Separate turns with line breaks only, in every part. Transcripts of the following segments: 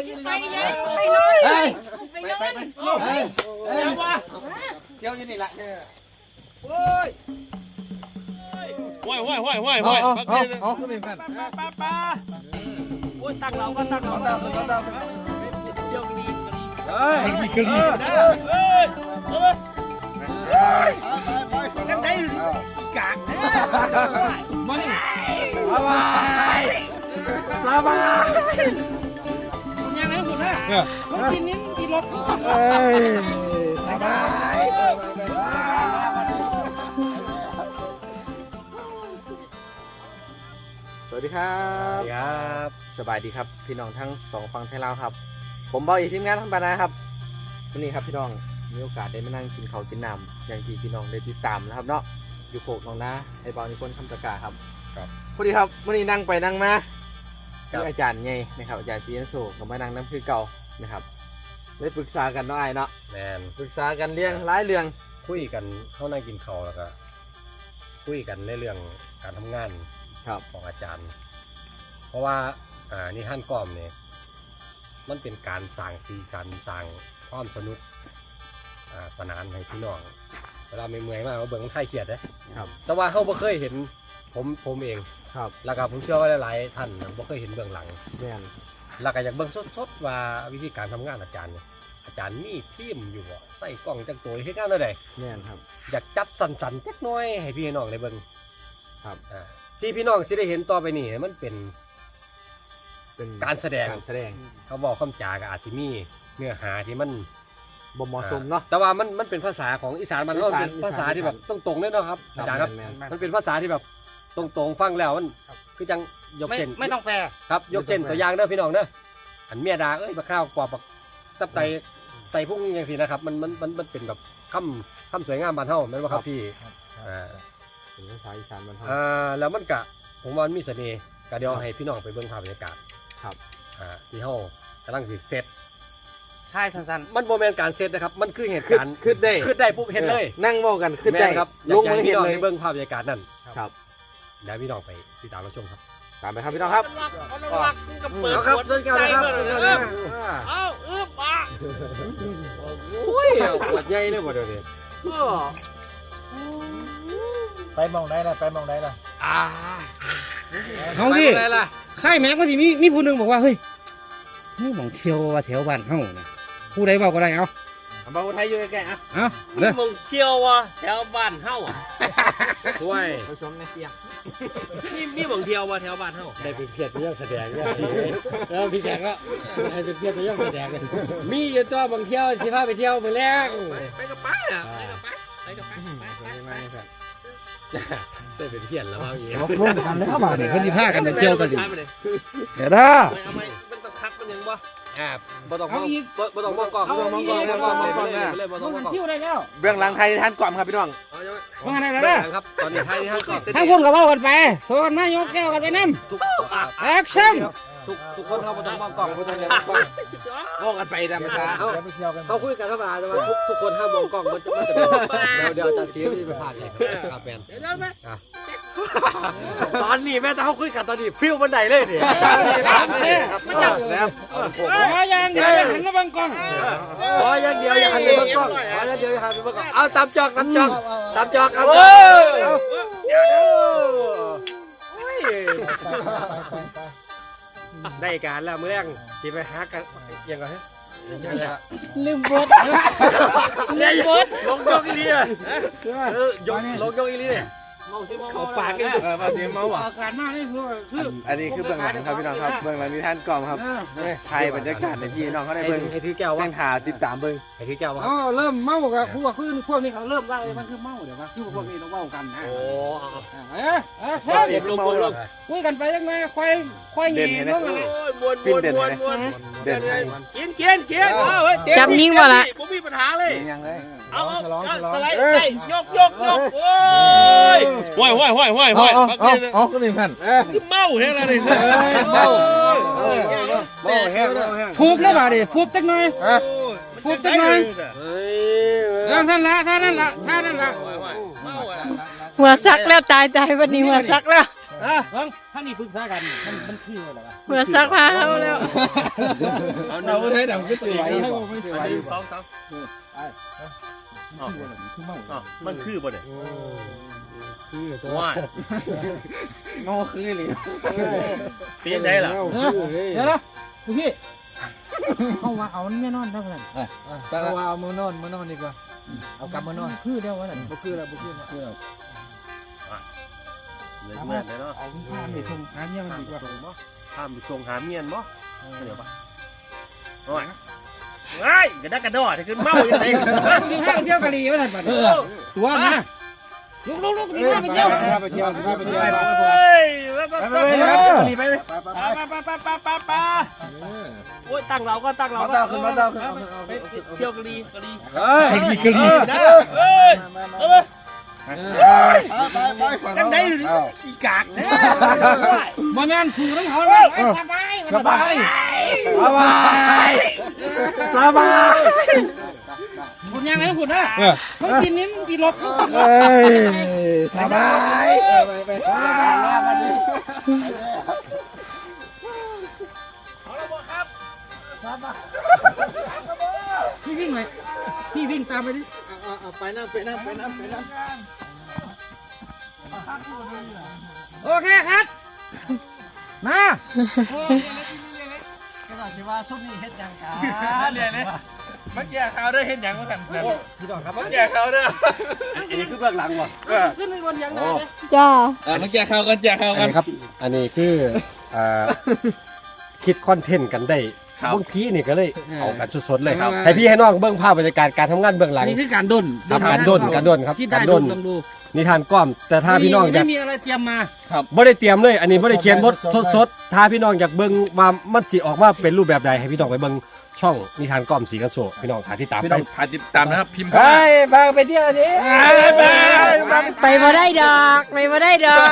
ไปเลยไปเลยไปเลยไป
เที่ยวอยู่นี่แหละ
โอ้ยเอาขึ้นไปกัน
ป้าโอ้ยตั้งเราก็ตั้งเราเดี๋ยวดี
เฮ้ยกะลี
กันได้กาก
มัน
สบายยังไงคุณนะเขากินนี้กินรถสบาย
สวัสดีครับสบายดีครับพี่น้องทั้งสองฝั่งไทยลาวครับผมบอยทีมงานทั้งบรรดาครับวันนี้ครับพี่น้องมีโอกาสได้มานั่งกินข้าวกินน้ำอย่างที่พี่น้องได้ติดตามนะครับเนาะอยู่โขกน้องนะไอ้บอลนิพนธ์คำตะกาครับพอดีครับวันนี้นั่งไปนั่งมาที่อาจารย์ไงนะครับอาจารย์ซีเอ็นโซกับมานั่งน้ำคือเก่านะครับได้ปรึกษากันเนาะไอ้เนาะ
แมน
ปรึกษากันเรื่องหลายเรื่อง
คุยกันเข้านั่งกินข้าวแล้วก็คุยกันในเรื่องการทำงานของอาจารย์เพราะว่านี่ท่านก้อมเนี่ยมันเป็นการสร้างสีสันสร้างความสนุกสนานให้พี่น้องเวลาเมื่อยมากเราเบิ่งไทยเขียดนะครับแต่ว่าเขาบ่เคยเห็นผมเอง
ครับ
แล้วก็ผมเชื่อว่าหลายๆท่านบ่เคยเห็นเบื้องหลังแล้วก็อยากเบิ่งสดๆว่าวิธีการทำงานอาจารย์เนี่ยอาจารย์มีทีมอยู่บ่ใส่กล้องจังตัวให้งานเท่าใด
ครับ
อยากจัดสันๆจักหน่อยให้พี่น้องได้เบิ่ง
ครับ
ที่พี่น้องสิได้เห็นต่อไปนี่มันเป็นการแสดงเขาบอกคำจาก็อาจจะมีเนื้อหาที่มัน
บ่เหมาะสมเนาะ
แต่ว่ามันเป็นภาษาของอีสานมันเป็นภาษาที่แบบตรงๆเลยเนาะครับอาจารย์ครับมันเป็นภาษาที่แบบตรงๆฟังแล้วมันคือจังยกเช่น
ไม่ต้องแปล
ครับยกเช่นตัวอย่างเด้อพี่น้องเด้ออันเมียดาบักข้าวปอบบักตับไตใส่พุ่งอย่างสินะครับมันเป็นแบบคำสวยงามบ้านเฮาแม่นบ่ครับพี่
เป็นภาษาอีสานบ้านเฮา
แล้วมันกะผมว่ามันมีเสน่ห์ก็เดี๋ยวให้พี่น้องไปเบิ่งภาพบรรยากาศ
ครับ
ที่เฮากำลังสิเซต
ใช่สั้น
ๆมันโมเมนต์การเซตนะครับมันคือเหตุการณ์
ขึ้น
ได้ปุ๊บเห็นเลย
นั่งเว้ากันขึ้นได้
ครับลงมือเห็นเลยเบิ่งภาพบรรยากาศนั่น
ครับ
เดี๋ยวพี่น้องไปติดตามรับชมครับ
ตามไปครับพี่น้องครับ
ครับใส่เบอร์เลยเอาปะ
โอ้ยปวดใหญ่เลยบ่เดี๋ยวนี้
ไปมองได้ละไปมองได้ละ
เอาดิค่ายแม็กว่าที่มีผู้หนึ่งบอกว่าเฮ้ยนี่มองเที่ยวว่าแถวบ้านเฮาเนี่ยผู้ใดบอกก็ได้เอา
บางคนไทยอยู่ใกล้ๆ
นี่มองเที่ยวว่าแถวบ้านเฮา
ช่วย
ผสมในเสียง
นี่มองเที่ยวว่าแถวบ้านเฮา
ได้เป็นเพียรตัวอย่างแสดงเนี่ยแล้วพี่แขกก็ให้เป็นเพียรตัวอย่างแสดงเลยมีอยู่ตัวบางเที่ยวสิพาไปเที่ยวมื้อแรก
ไปกับป้าไปกับป้า
ได้เป็นเพียรแล้วว่าอย่างงี้
ร่วมกันแล้วมาเนี่ยเพิ่นสิพากันไป
เ
ที่ยวกันดิเดี๋ยวนะ
มันต้องคัดมันยังบ่
บ่ต้องมองกล้อง
เลยบ่ต้องมองกล้องเที่ยวได้แล้ว
เบื้องหลังไทยท่านก่อนครับพี่น้อง
ว่าไงล่ะ
ครับตอนนี้ไทยท่านก่อน
ทั้งคนก็เว้ากันไปโซนมายกแก้วกันไปนำแอคชั่น
ทุกคนเขาบ่ต้องมองกล้อง
บ่ต้องมองกันไปตามภาษา
เขาคุยกันธรรมดาแต่ว่าทุกคนห้ามมองกล้องมันจะเดี๋ยวจะเสียที่ไปผ่านเลยครับแฟนตอนนี้แม่แต่เขาคุยกันตอนนี้ฟิลบันไดเลยนี่
ไม่จับแล้ว
ขออย่างเดียวอย่าหันมาบังกล้อง
ขออย่างเดียวอย่าหันไปบังกล้องขออย่างเดียวอย่าหันไปบังกล้องเอาตามจอกครับได้การแล้วมื้อแรกสิไปหากันยังไง
ลืมบท
ลงยกอีลีลงยกอีลี
เขาปากกันมาเสียเมาอ่ะ
อาการมากนี่คือ
อันนี้คือเบื้องหลังครับพี่น้องครับเบื้องหลังนี่ท่านกล่อมครับไทยบรรยากาศในพี่น้องเขาได้เบิ้ง
ไอ้ถือแก้วว่า
หาติดตามเบิ้ง
ไอ้ถือแก้วว่า
เริ่มเมากับพวกนี้เขาเริ่มว่ามันคือเมาเดี๋ยวว่าคือพวกนี้ต้องเมากันนะ
โอ้
เด็กเมาเลย
คุยกันไปยังไงควายเงี้ยน้องอะไร
ปิ้นเด่นเด่น
กิน
จับนิ่งบ่ละ
ผมมีปัญหาเลย
ยังเลย
เอาสไลด์ใส่ยกโอ้ย
เอาก็มีพัน
เมาแห้งแล้วนี่
เมา
แห้งฟูบแล้วบ่ดิฟูบจักหน่อยฟูบจักหน่อยท่านละ
หัวซักแล้วตายวันนี้หัวซักแล้ว
ท่านนี่ปรึกษากันมันคืออะไรวะ
เพื่อซักผ้าเขาแล้ว
เราให้ดำก็สวย
สองมันคือบ่เนี่ยว่า
โง่คือเลย
ปีนได้หรอ
เดี๋ยวนะพี่เอาว่าเอาแน่นอนเท่านั้น
เอาว่าเอามือนอนดีกว่าเอากลับมานอน
คือเดียววันนั้น
บ่คือแล้วบ่คือแล้ว
เลยเมื่อเนาะ
เอาข้ามไปส่งหาเมียมันดีกว่า
ข้ามไปส่งหาเมียนมั้เดี๋ยวปะโอ้ยง่ายกระดักกระดอจะขึ้นเมาอย่างไร
ที่ห้างเที่ยวกะหรี่ว่าท่านบัดตัวนะลุกที่ห้างไปเที่ยว
ไปเที่ยวไปเที่ยว
เฮ้ยไป
ไป
โอ้ยตั้งเราก็ตั้งเรา
มาเต้าขึ้นมาเต้าขึ้น
เที่ยวกะลี
กะหรี่
นะเฮ้ยจังได้หรือขี้กากเนี่ย
มางานสู่น้ำเขา
สบาย
สบายสบาย
คุณยังไงคุณนะเขากินนี้มันกินรถ
สบายไป
เอาละบ่ครับ
พี่วิ่งเลยพี่วิ่งตามไปดิ
ไปน้ำ
โอเคครับมา
ว่าชุดนี้เฮ็ดยังกัน
เนี่ยเลยมันแย่เขาด้วยเห็นอย่างว่ากัน
พี่ดอกครับ
มันแย่เขาด้วย
อันนี้คือเบื้องหลังวะ
ขึ้นไปบนยังได้เลย
จ้า
มันแย่เขากันแย่เขากัน
ครับ อันนี้คือคิดคอนเทนต์กันได้บางทีนี่ก็เลยเอากันสดๆเลยครับให้พี่ให้น้องเบื้องภาพบรรยากาศการทำงานเบื้องหลัง
นี่คือการด้น
ครับการด้นครับ
ที่ได้
การ
ด้
ด้
น
น
ลองดู
นิทานก้อม แต่ถ้าพี่น้องอยาก
ไม่มีอะไรเตรียมมา
บ่ได้เตรียมเลย อันนี้บ่ได้เขียนบทสดๆถ้าพี่น้องอยากเบิ่งว่ามันสิออกมาเป็นรูปแบบใดให้พี่น้องไปเบิ่งช่องนิทานก้อมสีกันโซพี่น้องหาที่ตาม
พี่
ไป
น้องพาติดตามนะครับพิมพ์
ไปพาไปเที่ยวนี้
ไปบ่ได้ดอกไปบ่ได้ดอก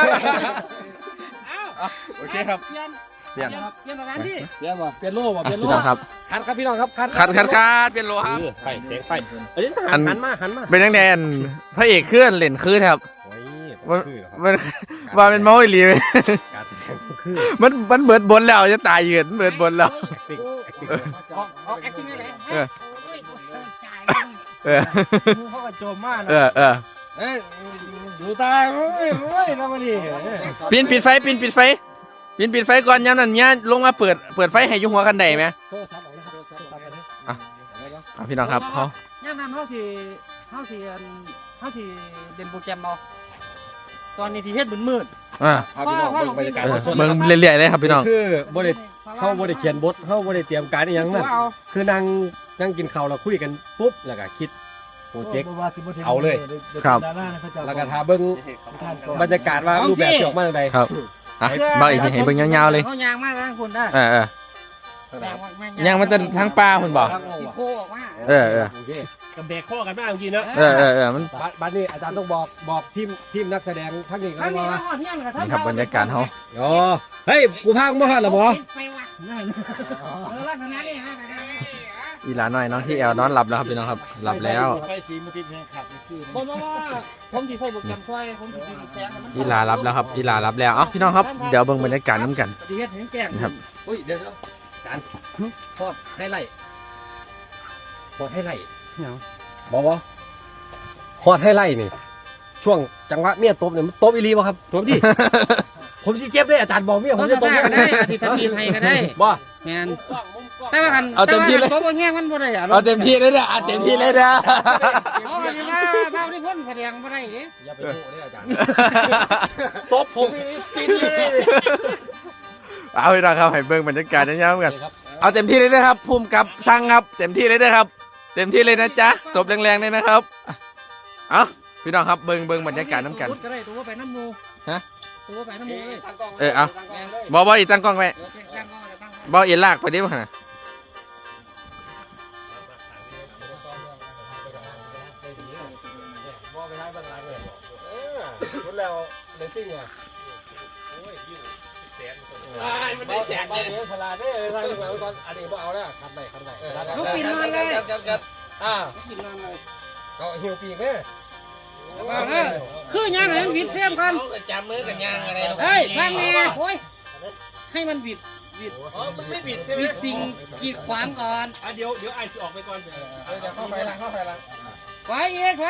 โอเคครับ
เปลี่ยน
เปลี่ยน
เปลี่ยนสถานที่
เปลี่ยนบ่เปลี่ยนโล่บ่เปลี่ยนโล่
พี่น้องครับ
คัดครับพี่น้องครับคัด
คัดเป็นโลครับ
ไฟแสงไฟเอ้ยหันมา
เป็นนักแดนพระเอกเคลื่อนเล่นคืนครับ
โอ้ย
มัน
คือเหรอครับ
มันว่าเป็นเมาส์อีหลีไหม
การแสดงคือ
มันเบิดบนแล้วจะตายยืนเบิดบนแล้ว
acting
ออกแอคติ้งอะไร
เออ
โอ้ยกูเสิร์ฟจ่าย
เออ
เขาก็โจมมากนะ
เออ
เอ้ยดูตายโอ้ยแล้วมาดิ
ปิดไฟปิดไฟก่อนย้ำนั่นเนี่ยลงมาเปิดไฟให้อยุ่หัวกันได้ไหม
โทรศัพท์ออกเลยครับโทรศัพท์ตัดกันดิ
อ่ะพี่น้องครับเขา
ย่างนั้นเขาที่เล่นโปรแกรมเราตอนนี้ที่เฮ็ดมืด
อ่า
พาพี่น้องเบิ่งบรรยากาศสดๆ
มึ
เลย
ง
ครับ
เรื่อยๆเลยครับพี่น้อง
คือบ่ได้เฮาบ่ได้เขียนบทเฮาบ่ได้เตรียมการอีหยังนั่น
เอา
คือนั่งกินข้าวแล้วคุยกันปุ๊บแล้วก็คิดโปรเจกต์ เอาเลย แล้วก็ทาเบิ่งบรรยากาศว่ารูปแบบจะออกมาจังได
ครับอ่ะบอกอีกทีให้เบิ่งยาวๆเลย
เขายางมากนะคุณได้
เออยังมันจะทั้งปลาคุณบอก
ที่โคออกมา
เออ
โอเค
กับเบรกข้อกันบ้างจริงๆนะ
มัน
บัดนี้อาจารย์ต้องบอกทีมนักแสดงทั้งนี้ก็
ทั้งนี้
ว่า
ทั้งหมดเนี่ยกับทั้ง
นี่ครับบรรยากาศเขา
อ๋อเฮ้ยกูพากบ่ฮอดล่ะบ่
ไปวัด
ลักษณะนี้ฮะ
อีหลาน้อยน้องที่แอลนอนหลับแล้วครับพี่น้องครับหลับแล้ว
ไฟสีมุติดแห่งขัดนี่คือ
ผมว่าผมที่ใส่โปรแกรมช่วยผมที่ดีแสง
อีหลารับแล้วครับอีหลารับแล้วเอ้าพี่น้องครับเดี๋ยวเบิ่งบรรยากาศน้ำกัน
ที่เฮ็ดเห็นแก่ง
ครับ
อุ้ยเดี๋ยวอาจารย์ทอดให้ไล่ทอดให้ไล่บอกว่าฮอดให้ไล่นี่ ช่วงจังหวะเมียตบเนี่ยมันตบอีหลีบ่ครับตบดิ ผมสิเจ็บเลยอาจารย์บอกเมียผมจะตบ
ก็ได้อาทิตย์ทีไทยก็ได้
บ่
แมนแต่ว่ากัน
เอาเต็มที่เลย
ตัวแห้งมันบ่ได้อะ
เอาเต็มที่เลยนะเต็มที่เลยนะ
เอาสิว่าเบ้าที่พ้นแสดงบ่ได้เด้
อย่าไปโง่เลยอาจารย์ตบผมอีหลีติดเลย
เอาพี่น้องครับให้เบิ่งบรรยากาศยาวๆกันเอาเต็มที่เลยนะครับภูมิกับสั่งครับเต็มที่เลยนะครับ เต็มที่เลยนะจ๊ะตบแรงๆเลยนะครับเอาพี่น้องครับเบิ่งบรรยากาศน้ำกัน
ก็ได้ตัวไปน้ำมู
ฮะ
ตัวไปน้ำมูเลย
เอาบออีกตั้งกล้องไว้บออีลากไปดิวะนะ
คุณแล้วเรตติ้งอ่ะมันได้แสนเลยฉลาดเด้อทางหลังตอนอันนี้บ่เอาแล้วคันได้
ลูกปิดนอนเลย
อ่า
ลูกปิดนอนเลย
ก็หิวปีกแม่
คือย่างให้มันวิดเสียมกัน
จับมือกันย่างอะไร
เฮ้ยข้างแม่โอ้ยให้มันวิด
อ๋อมันไม่บิดใช่ไหม
วิดสิ่งกีดขวางก่อน
เดี๋ยวไอ้สิออกไปก่อนเดี๋ยวเข้าไปละ
ไฟอีก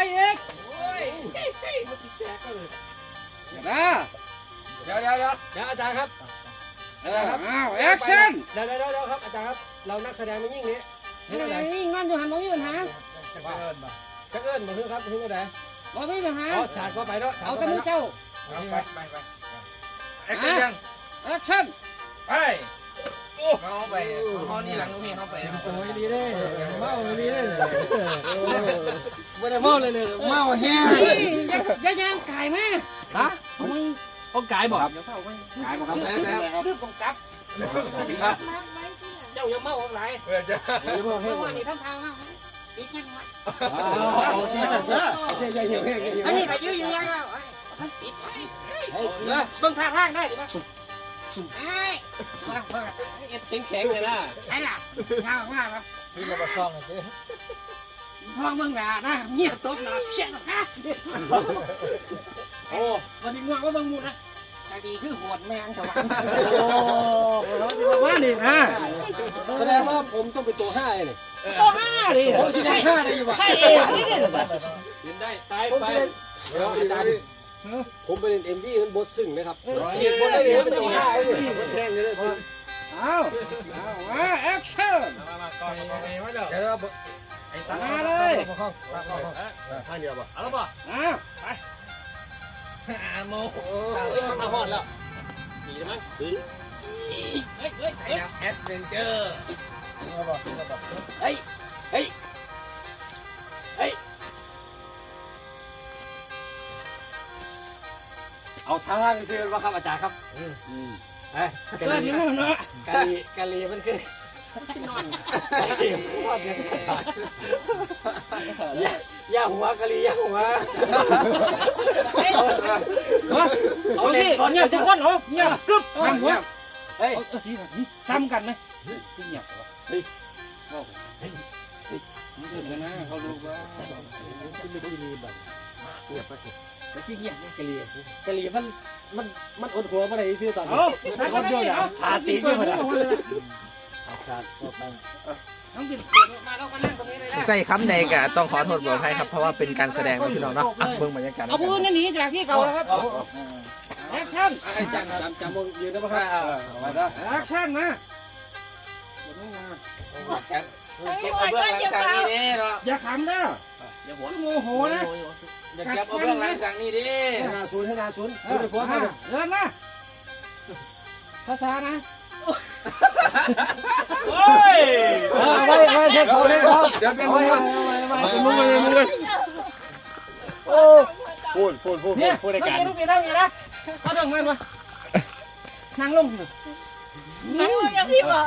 เดี๋ยว
อาจารย์ครับ
แอคชั่น
เดี๋ยวครับอาจารย์ครับเรานักแสดงมันยิ่งนี้
นี่งานอยู่หันบ่มีปัญหา
จะเอิ้นมาคือครับคืออะไร
บ่มีปัญหา
อ๋อฉากก็ไปเนาะ
เอาแต่มือเจ้า
ไปแอคชั่นยัง
แอคชั่น
ไปเขาไปเขานี่หลังลูกพี่เขาไป
โอ้ยดีเลยเมาดีเลย
ไม่ได้เมาเลยเมาแห้ง
อย่าย่างไก่แม่
ฮะเขากายบอก
ขายมาครับ
รีบกำกับเจ้าอย่าเมาอะไรว่านี่ทำทางนะอีกยังไงอันนี้ก็ยื้อยังแล้วปิดเบิ่งท่าทางได้ดิมั้ยไอ้
แข็งเลยนะ
ไอ้ล่ะยาวมากแล้ว
พี่เราไปซ่องกันสิ
พ่อมึงด่านะเงียบตบนะเชี่ยนะโอ้วันนี้ง่วงว่าบังมูนะแต่ดีคือหวดแมงสวรรค์ว่านี่นะ
แสดงว่าผมต้องเป็นตัว5เลย
ตัวห้าดิ
ผมสิได้5ได้อยู่บ่
ให้เองนี่เนี่ย
กินได้ตาย
ผม
ไป
สิได้เดี๋ยวอาจารย์ผมไปเล่น MV มันบทซึ้งนะครับฉีกบทได้เลยเป็นตัว5เลยแข่งเลย
เอามาแอคชั่น
เดี๋ยว
มาเลย
ท่านเดียวบ่
เอาแล้วป่ะ
เอา
โมมาหอดแล้วดีมั้งเฮ้ยแอดเวนเจอร์
เอาทางล่างซื้อมาครับอาจารย์ครับ
เกิดยังไงเนาะ
กะลีมันคือย่าหัวกะลีย่าหัว
เอาดิเนี่ยจะก้นเหรอเนี่ยกึ๊บทำหัวเฮ้ยเอาสินี่ซ้ำกันไหมเงียบเฮ้ยนี่เกิดนะเขาดูว่า
ขึ้นไปที่นี่แบบเงียบไป
ที่เงียบกะลีมันอดหัวมาได้ซื้อตอนนี้
เอาคนเดียวอย่าพาตีกันมาต้องบินมาแล้วมานั่งตรงนี้เลยนะ
ใส่คำใดกะต้องขอโทษบอกให้ครับเพราะว่าเป็นการแสดงนะพี่น้องเนาะเบิ่งบรรยากาศ
เอาปืนหนีจากที่เก่าแล้วครับแอคชั่น
จำยืนได้ปะครับมาได้
แอคชั่นนะ
เก็บเอาเบื้องหลังจากนี้ดิเนาะ
อย่าขำนะอย่าหัวโมโหนะ
อย่าเก็บเอาเบื้องหลังจากนี้ดิ
ให้นาศูนย์เ
เ
ดิน
ดินนะช้าๆนะ
โอ้ย
ไม่ใช่เขาเลยครับ
เดี๋ยวเป็นมุ้งกันเป็นมุ้งกัน
โอ้พูด
เนี่ย
ในการ
ลูกเมียนะเอาดอกมันมานั่งลง
นั่งอย่างพี่บอก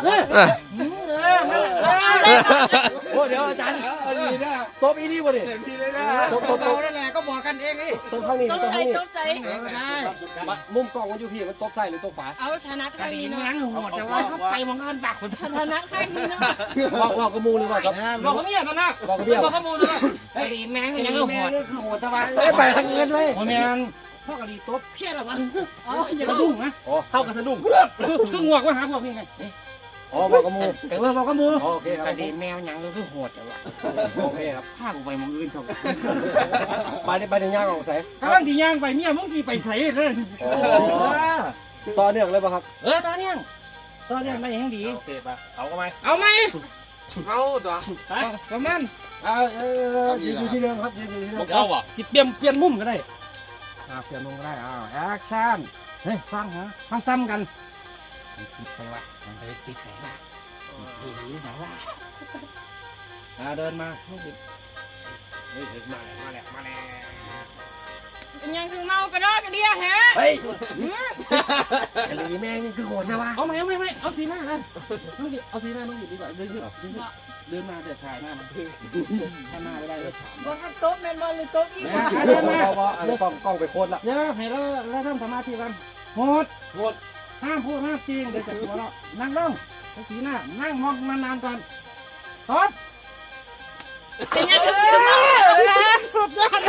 โอ้เดี๋ยวอาจารย์ตบอีนี่บ่ดิตบ
เรานั่นแหละก็บอกกันเองนี่
ตบข้างนี้
ต้ม
ตบ
ใส่
ข้างนี้
ต้มใส่
ใช่
มุมกล้องมันอยู่พี่มันตบใส่หรือตบฝา
เอาถนัด
กะ
ข้าง
ดี
นี้
นั่
เนาะ
งโหดแต่ว่าเขาไปมองเงินปากคน
ถนัดข้างนี้เนาะ
บอกกระมูหรือเปล่าครับ
บอกเขาเมียตอนนั้น
บอกกระเบี้ยว
บอกเขามูตอนนั้นกะดีแมงยังโหด
โหดตะวันไปทางเงินเลย
โมเมนพ่อกะดีตบเพี้ยละวะ
อ๋ออย่า
สะดุ้งนะ
เข้ากับสะดุ้ง
คืองวกว่าหาพวกนี้ไง
อ๋อบอกกระมู
แต่ว่าบอกเขามู
โอเคครับ
กะดีแมวยังคือโหดแต่ว่า
โอเคครับ
พากูไปมองอื่นเขา
ไปในย่างของใส่
กำลังที่ย่างไปเมียมึงที่ไปใส่เลย
ต่อเนื่องเลยป่ะครับ
ตอนเนี้ยได้ยังดี
โอเคป่ะเอาก็ไหม
เอาไหม
เอาตัว
ประมาณ
ยืนอยู่ที่เดิมครับยืนอยู่ที่เดิม
เอาอ่ะ
จิเปลี่ยนมุมก็ได้เปลี่ยนมุมก็ได้แอคชั่นเฮ้ยฟังซ้ำกันติดใครวะมันไปติดไหนวะติดสายว่าเดินมาเฮ้ยมาแล้ว
เป็นยังคือเมากระดอกกระเดียฮะ
เฮ้ยกะลีแม่งคือโหดใช่ปะ
เอาไหมเอาสีหน้าเลยเอาสีหน้าน้องหยิบดีกว่าเดินมาเดี๋ยวถ่ายหน้ามันถ้าหน้าไม่ได้เลย
บอกว่าโต๊ะแมนบอลหรือโต๊ะอีก
เดินมาอันนี้กล้องไปโคตรละ
เดี๋ยวให้เราทำสมาธิกันโหดห้ามพูดห้ามจริงเดี๋ยวจะหัวเราะนั่งลงสีหน้านั่งมองนานๆก่อนตบ
เป็นยังคือเมา
สุดยอด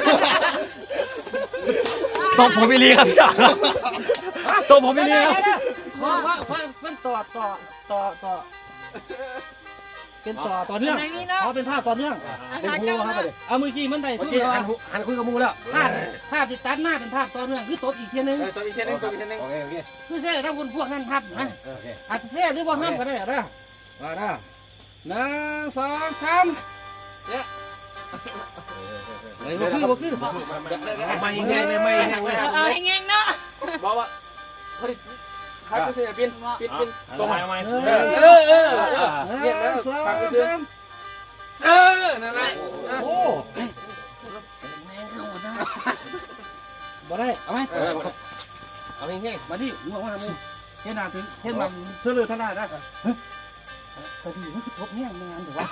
ตบผมไม่รีครับพี่น้องตบผมไม่รีครับ
ว่ามันต่อเป็นต่อเนื่องเขาเป็นภาพต่อเนื่องเป็นครูครับเอามือกี้มันได้ทุกอย่าง
หันคุยกับมูแล้ว
ภาพติดตัดหน้าเป็นภาพต่อเนื่องคือตบอีกทีนึง
ตัวอีกทีนึงตัวอีกทีนึง
โอเคโอเค
คือเซ่ถ้าคุณพวกนั้นครับนะ
โอเค
อาจจะเซ่หรือว่าห้ามก็ได้นะว่านะ1 2 3เนี่ยบ่คือ
ไม่แห้งเลยไม่แห้งเลย
เอาให้แง่งเนาะ
บอกว่าพอดีใครก็เสียปินตรงไหน
1 2 3
นั่นแหละ
โอ้บ่ได้เอาไหม
เอาแห้ง
มาดิง่วงว่ามึงเฮ็ดหน้าถึงเฮ็ดมันเธอเลยท่านได้นะตอนนี้มันทบแห้งไม่งั้นถูกป่ะ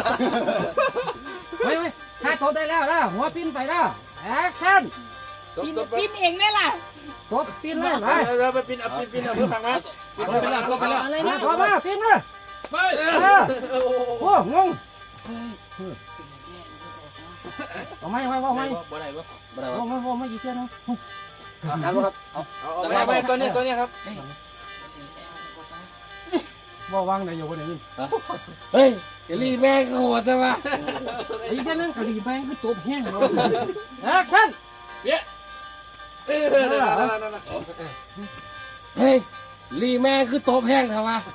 ไม่ถ้าทบได้แล้วนะหัวปิ้นไปแล้วแอคชั่น
ปินเองได้ล่ะ
ทบปิ้นเลยไป
เราไปปินเอาเพื่อฟังนะปินไปแล้วก็ไปแล้ว
อะไรนะ
ทบมาปิ้นเลยไปโอ้งงเอาไหมว่าไหม
บ่ได้บ่
ว่าไม่ยี่เตี้ยนะ
หันบ่ครับเอา
ไปตัวนี้ครับ
ว่าวางไหนอยู่คนนี้
เฮ้ยเจลี่แม่งโหดแต่ว่า
ยี่เตี้ยนึงกะหรี่แมงคือตัวแห้งเลยแอคชั่น
เฮ้ยลีแม่งคือโตแห้งแต่ว่า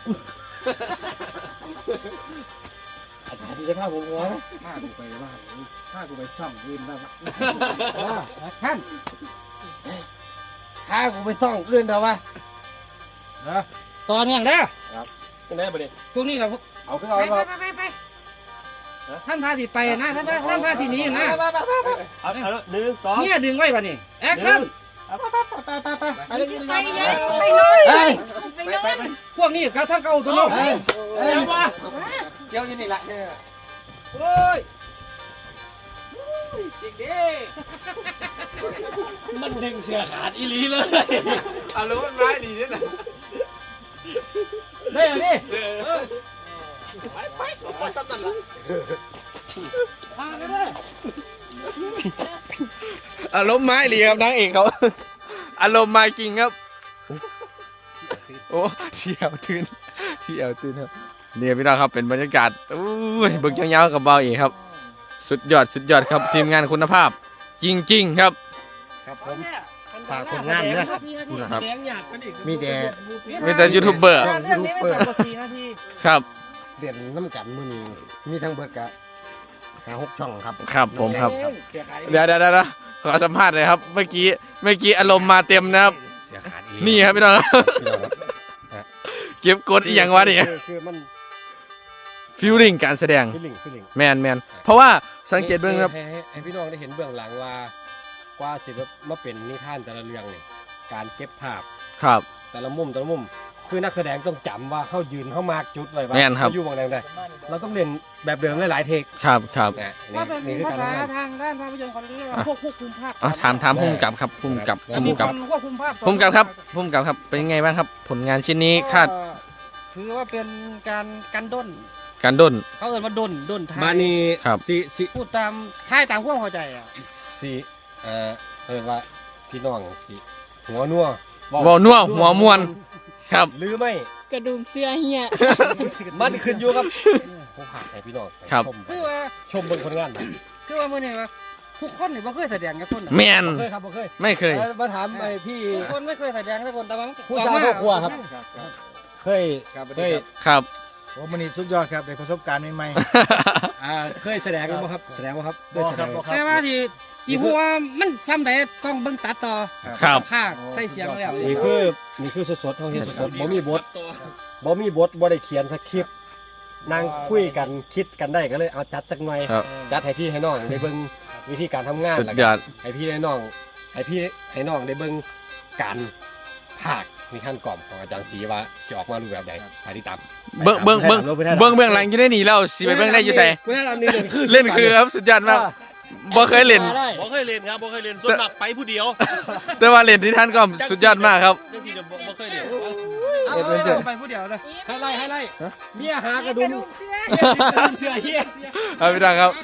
อาจารย์ที่จะพาผมหัวนะ
ฆ่ากูไปว่าฆ่ากูไปซ่อมยืนได้ปะแอคชั่น
พากูไปซ่องอื่นแต่ว่า
ต่อเนื่องแล้ว
จังได๋บ่ได้
ช่วงนี้กับ
เอาขึ้นเอาครับ
ไปท่านพาที่ไปนะท่านพาที่นี้นะ
เอา1 2
เนี่ยดึงไว้ป่ะนี่แอคชั่น
ไปเลย
ไปไงไปน้อยไปน้อย
พวกนี้เขาท่านเก่าตัวโน้น
เกี่ยวอยู่นี่แหละ
โอ้ย
จริงดิ
มันดึงเสือขาดอีหลีเลย
เอารู้มันร้ายดีด้วยนะ
ได้เหรอนี่
ไปซ้ำนั่นละ
พาไปเลย
อารมณ์ไม้ดีครับนางเอกเขาอารมณ์มาจริงครับโอ้เที่ยวตื่นครับเนี่ยพี่น้องครับเป็นบรรยากาศอุ้ยเบิกยาวๆกับเบาเอกครับสุดยอดครับทีมงานคุณภาพจริงๆครับ
ครับผมฝากผลงานด้วย
นะครับ
มีแต่
มีแต่ยูทูบเบอร์
เรื่องนี้ไม่ต่ำกว่า4 นาที
ครับ
เด่นน้ำกันมื้อนี้มีทั้งเบิดกะ5-6 ช่องครับ
ครับผมครับเดี๋ยวขอสัมภาษณ์เลยครับเมื่อกี้อารมณ์มาเต็มนะครับ
เสือขาดอีหลี
นี่ครับพี่น้องครับ
พี่น้องครับ
เก็บกดอีกอย่างวะเนี่ย
คือมัน
ฟิลลิ่งการแสดง
ฟีลลิ่ง
แมนเพราะว่าสังเกตเบื้องครับ
ให้พี่น้องได้เห็นเบื้องหลังว่ากว่าสิแบบมาเป็นนิทานแต่ละเรื่องนี่การเก็บภาพ
ครับ
แต่ละมุมคือนักแสดงต้องจำว่าเขายืนเขามาร์กจุดไว้ว่า
แม่นครับ
เขาอยู่บางแดงได้เราต้องเล่นแบบเดิมหลายๆเทค
ครับ
นะ
ว่าเป็น
นี่คือ
ภา
การ
ษา
ทำงาน
ทางด้านภาพยนตร์เขาเรียกว่าพวกควบคุมภาพ
ถามภูมิกับครับภูมิกับ
มีคนควบคุมภาพ
ภูมิกับครับเป็นยังไงบ้างครับ ผลงานชิ้นนี้คาด
ถือว่าเป็นการด้น
การด้น
เขาเอ่ยว่าด้นท้าย
มานี่
ครับ
สิ
พูดตามท้ายตามความเข้าใจอ่ะ
สิว่าพี่น้องสิหัวนัว
วอนัวหัวมวนครับ
หรือไม่
กระดุมเสื้อเฮีย
มันขึ้นอยู่กับผู้ผ่านให้พี่น้อง
ครับ
คือว่า
ชมเบิ่งผลงานนะ
คือว่ามื่อนี้ว่าทุกคนนี่บ่เคยแสดงกับคน
แมน
บ่เคยครับบ่เคย
ไม่เคย
มาถามไอ้พี่
ทุกคนไม่เคยแสดงกับคนแต่ว่า
ผู้ชายครอบครัวครับ เคย
ครับ
โอ้มันนี่สุดยอดครับได้ประสบการณ์ใหม่
เคยแสดงกันบ่ครับแสดงบ่ครับเคยแสดง
บ่ครับ
แต่ว่าที่พูดว่ามันซ้ำใดต้องเบิ่งตัดต่อ
ครับ
ภาคใส่เสียงแล้ว
นี่คือสดๆเฮาเฮ็ดสดๆบ่มีบทบ่ได้เขียนสคริปต์นั่งคุยกันคิดกันได้ก็เลยเอาจัดจักหน่อย
ครับ
จัดให้พี่ให้น้องได้เบิ่งวิธีการทำงาน
สุด
แล้ว
ย
ก็
อด
ให้พี่ให้น้องได้เบิ่งการภาคมีขั้นกล่อมของอาจารย์ศรีว่าจะออกมารูปแบบใดไปติดตาม
เบื้องหลังอยู่ได้หนีแล้วสิไปเบื้องได้อยู่ใส่
คุณแนะนำนี่เล่นคือ
เล่นคือครับสุดยอดมากบ่เคยเล่น
บ่เคยเล่นครับบ่เคยเล่นส่วนมากไปผู้เดียว
แต่ว่าเล่นที่ท่านก็สุดยอดมากครับ
จังซี่เดี๋ยวบ่เคยเล่น
เอาไปผู้เดียวนะ
ให้ไล่เมียหากระ
ก
ดุ
ระ
ม
ดุมเสื้อ
เสื้อเฮีย
เอาพี่ดังครับ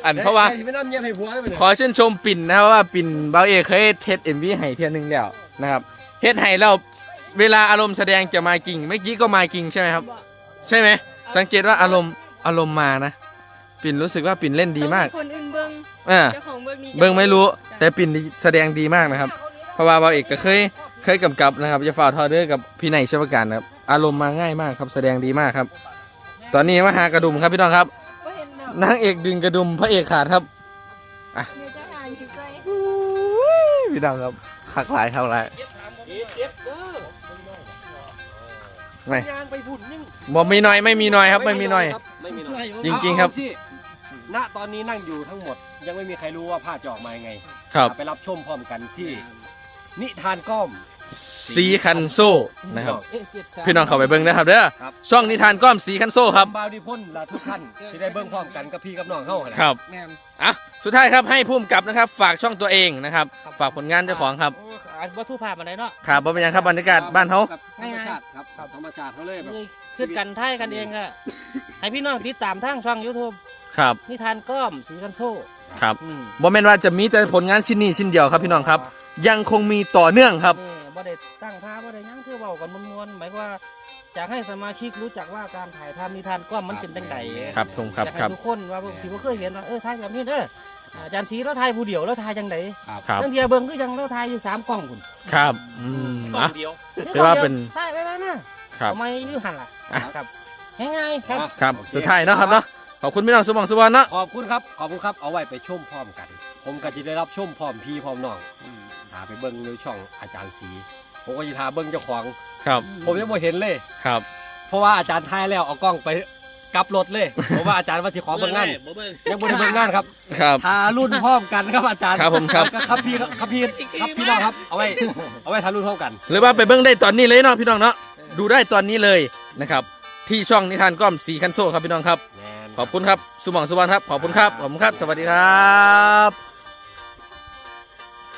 เพราะว่า
ไม่น้ำเยี่ยมให้ผัวเลย
ขอชื่นชมปิ่นนะครับว่าปิ่นเบาเอกเคยเทสเอ็มวีให้เทียนึงแล้วนะครับเฮ็ดให้แล้วเวลาอารมณ์แสดงจะมากิ่งเมื่อกี้ก็มากิ่งใช่ไหมครับ ใช่ไหมสังเกตว่าอารมณ์มานะปิ่นรู้สึกว่าปิ่นเล่นดีมาก
คนอื่นเบิ้ง
อ่า
เจ้าของเบิ้งนี่
เบิ่งไม่รู้แต่ปิ่นแสดงดีมากนะครับเพราะว่าเบาเอกก็เคยกำกับนะครับจะฝ่าทอเดอร์กับพี่ไหนชวการนะครับอารมณ์มาง่ายมากครับแสดงดีมากครับ ตอนนี้มาหากระดุมครับพี่น้องครับ
บ่เห็นดอก
นางเอกดึงกระดุมพระเอกขาดครับ
เดี๋ยวจะหาอยู่ใจ
พี่น้องครับคักหลายเท่าไรไม่
ยางไปพุ่นนึง
บ่มีน้อยไม่มีน้อยครับไม่มีน้อย
ไม่มีน้อย
จริงๆครับ
เอาที่ณตอนนี้นั่งอยู่ทั้งหมด ยังไม่มีใครรู้ว่าภาพจะออกมายังไง
ครับ
ไปรับชมพร้อมกันที่นิทานก้อม
สีคันโซ่นะครับพี่น้องเข้าไปเบิ่งนะครับเด้อช่องนิทานก้อมสีคันโซ่ครับ
บาวดีพ่นและทุกท่านจะได้เบิ่งพร้อมกันกับพี่กับน้องเฮาหั่นแหละ
ครับอ่ะสุดท้ายครับให้พุ่มกับนะครับฝากช่องตัวเองนะครับฝากผลงานเจ้าของครับ
วัตถุภาพอะไรเนาะ
ครับบ่เป็นหยังครับบรรยากาศบ้านเขา
ธรรมชาติครับธรรมชาติเขาเลยแบบ
คือกันไทยกันเองอะให้พี่น้องติดตามทางช่อง YouTube
ครับ
นิทานก้อมสีกันโซ่
ครับบ่แม่นว่าจะมีแต่ผลงานชิ้นนี้ชิ้นเดียวครับพี่น้องครับ ยังคงมีต่อเนื่องครับ
บ่ได้ตั้งท่าบ่ได้หยังคือเว้ากันมวนๆหมายว่าอยากให้สมาชิกรู้จักว่าการถ่ายทำนิทานก้อมมันเป็นจังได
ครับผมครับ
อยาก
ครั
ให้
บ
ทุกคนว่าที่บ่เคยเห็นว่าถ่ายแบบนี้เด้ออาจารย์ศรีแล้วถ่ายผู้เดียวแล้วถ่ายจังได
ครับ
ตั้งเทียเบิ่งคือจังแล้วถ่ายอยู่3กล้องพุ่น
ครับ
กล้อ
อ่ะ
งเดียว
ถือว่าเป็น
ถ่ายไปแล้วนะครับ ทำไมอยู่หั่นล่ะ
อ่ะ
ครับง่ายๆครับ
ครับสุดท้ายเนาะครับเนาะขอบคุณพี่น้องสุบองสุวรรณเนาะ
ขอบคุณครับเอาไว้ไปชมพร้อมกัน ผมก็จะได้รับชมพร้อมพี่พร้อมน้องหาไปเบิ่งในช่องอาจารย์ศรีผมก็จะหาเบิ่งเจ้าของ
ครับ
ผมยังไม่เห็นเลย
ครับ
เพราะว่าอาจารย์ทายแล้วเอากล้องไปกลับรถเลย เพราะว่าอาจารย์ว่าสิขอเบิ่งงานยังบ่ได้เบิ่งงานครับ
ครับ
ทารุ่นพร้อมกันครับอาจารย์
ครับผมครับ
ครับพี่น้องครับเอาไว้ทารุ่นพร้อมกัน
หรือว่าไปเบิ่งได้ตอนนี้เลยเนาะพี่น้องเนาะดูได้ตอนนี้เลยนะครับที่ช่องนิทานก้อมสีคันโซ่ครับพี่น้องครับ ขอบคุณครับสุบองสุวรรณครับขอบคุณครับสวัสดีครับ